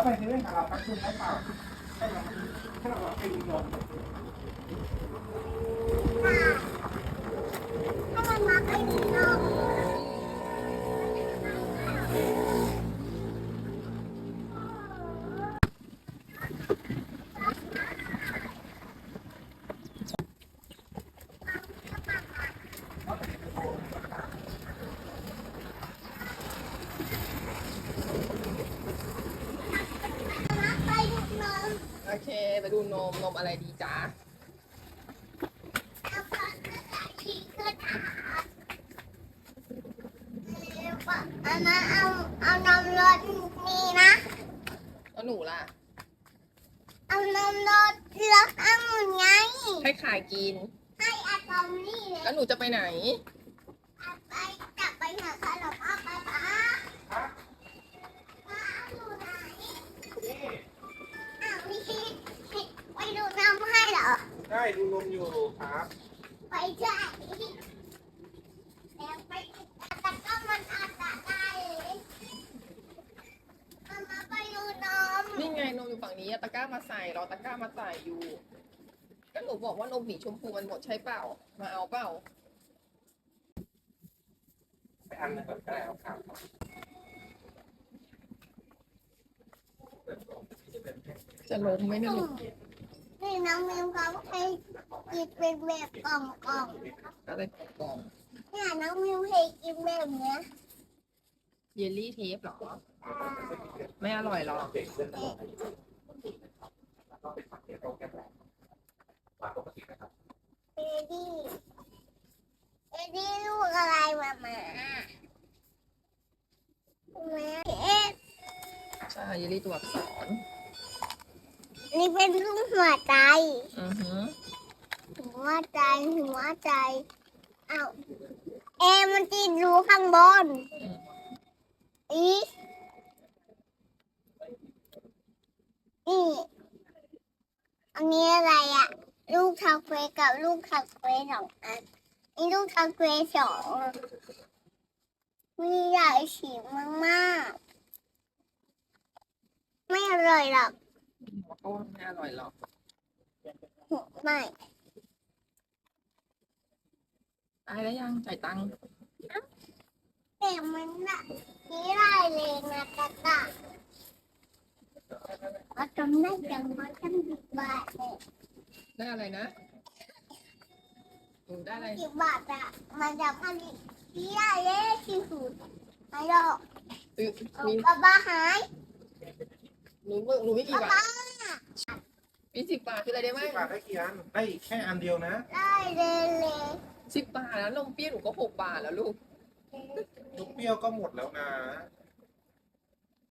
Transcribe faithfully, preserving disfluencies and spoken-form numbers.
ไปเซเว่นกับเราตั้งคุณได้เปล่าให้เราให้เราไปดูนมถ้ามันมาไปดีนมไปดูนมโอเคไปดูนมนมอะไรดีจ๊ะเอาก่อนก็ใส่ที่ขึ้นอาหารเอามาเอาเอานมรสนี่นะแล้วหนูล่ะเอานมรสรสองุ่นไงให้ขายกินให้อะตอมนี่เลยแล้วหนูจะไปไหนเอาไปจับไปหาขนมเอาไปป้าป้าอยู่ไหนอ้าวนี่ไปดูน้ำให้เหรอได้ดูนมอยู่ครับไปใช่แล้วไปแต่ก็มันอาจจะได้เลยเอามาไปดูนมนี่ไงนมอยู่ฝั่งนี้อะตะกร้ามาใส่รอตะกร้ามาใส่อยู่ก็หนูบอกว่านมหมีชมพูมันหมดใช่เปล่า มาเอาเปล่าไปอันหนึงก่อนก็ได้เอาครับจะล้มไหมเนี่ยลูกนี่น้องมิวเขาให้กินเป็นแบบกล่องกล่องอะไรกล่องๆเนี่ยน้องมิวให้กินแบบเนี้ยเยลลี่เทปเหรอ ไม่อร่อยหรอเอดี้เอดี้ลูกอะไรมาหมาแม่เอ๊ะใช่เยลลี่ตัวอักษรนี่เป็นรูปหัวใจอือฮึหัวใจหัวใจเอาเอมันติดรูข้างบนอีนี่อันนี้อะไรอะลูกทาเควกับลูกทาเควสองอันนี่ลูกทาเควสองมีหลายสีมากๆไม่อร่อยหรอกมันก็ว่าไม่อร่อยหรอกไม่ตายแล้วยังจ่ายตังค์แต่มันละนี่ลายเลยนะตะกะว่าจำได้จังว่าจำสิบบาทเลยได้อะไรนะหนูได้อะไรสิบบาทอะมันจะผลิตที่ได้เลยที่สุดไม่หรอกซื้อเอามีกระบะหายหนูหนูไม่กกี่ระบาบะทมีสิบบาทคืออะไรได้ไหมสิบบาทได้กี่อันได้แค่อันเดียวนะได้เลยเลยสิบบาทแล้วนมเปรี้ยวหนูก็หกบาทแล้วลูกลูกเปรี้ยวก็หมดแล้วนะไ